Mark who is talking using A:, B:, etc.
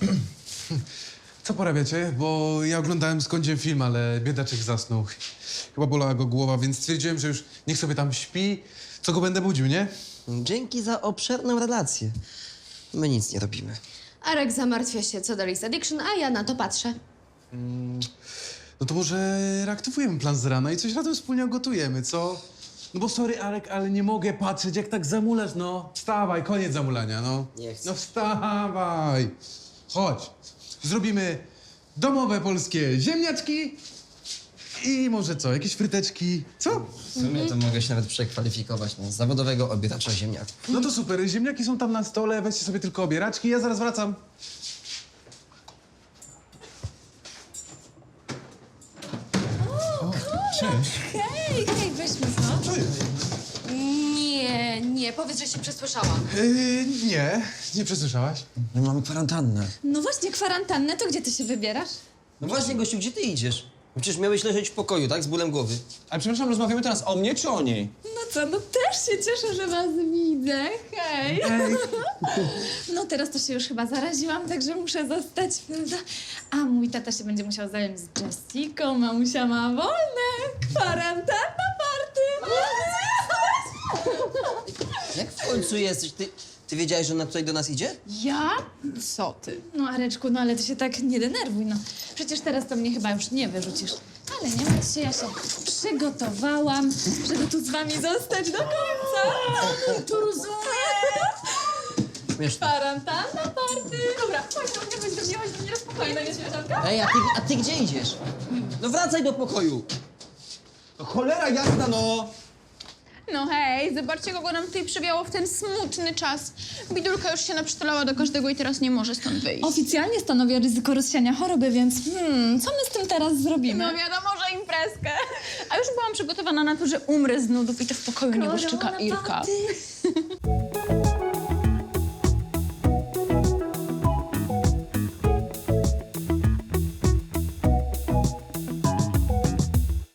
A: Co porabiacie? Bo ja oglądałem z Kądziem film, ale biedaczek zasnął. Chyba bolała go głowa, więc stwierdziłem, że już niech sobie tam śpi. Co go będę budził, nie?
B: Dzięki za obszerną relację. My nic nie robimy.
C: Arek zamartwia się co do List Addiction, a ja na to patrzę.
A: No to może reaktywujemy plan z rana i coś razem wspólnie gotujemy, co? No bo sorry, Arek, ale nie mogę patrzeć, jak tak zamulasz, no. Wstawaj, koniec zamulania, no.
B: Nie chcę.
A: No wstawaj. Chodź. Zrobimy domowe polskie ziemniaczki i może co, jakieś fryteczki, co?
B: W sumie to mogę się nawet przekwalifikować na zawodowego obiadacza ziemniaków.
A: No to super, ziemniaki są tam na stole, weźcie sobie tylko obieraczki, ja zaraz wracam.
C: Hej, weźmy co?
A: Co jest?
C: Nie, powiedz, że się przesłyszałam.
A: Nie przesłyszałaś?
B: My mamy kwarantannę.
D: No właśnie, kwarantannę, to gdzie ty się wybierasz?
B: No właśnie, gościu, gdzie ty idziesz? Przecież miałeś leżeć w pokoju, tak? Z bólem głowy.
E: Ale przepraszam, rozmawiamy teraz o mnie czy o niej?
D: No co, no też się cieszę, że was widzę. Hej. No teraz to się już chyba zaraziłam, także muszę zostać, prawda? A mój tata się będzie musiał zająć z Jessiką, mamusia ma wolne. Kwarantanna party.
B: Jak w końcu jesteś? Ty wiedziałeś, że ona tutaj do nas idzie?
D: Ja? Co ty? No Areczku, no ale ty się tak nie denerwuj, no. Przecież teraz to mnie chyba już nie wyrzucisz. Ale nie martw się, ja się przygotowałam, żeby tu z wami zostać do końca. Tu rozumiem.
B: Śmieszne.
D: Kwarantanna party. Dobra, chodź do mnie, spokojnie, nie śmieszanka?
B: Ej, a ty gdzie idziesz? No wracaj do pokoju.
E: No cholera jasna, no!
F: No hej, zobaczcie, kogo nam tutaj przywiało w ten smutny czas. Bidulka już się naprzytulała do każdego i teraz nie może stąd wyjść.
D: Oficjalnie stanowię ryzyko rozsiania choroby, więc co my z tym teraz zrobimy?
F: No wiadomo, że imprezkę. A już byłam przygotowana na to, że umrę z nudów i to w pokoju nieboszczyka Irka.
D: Party.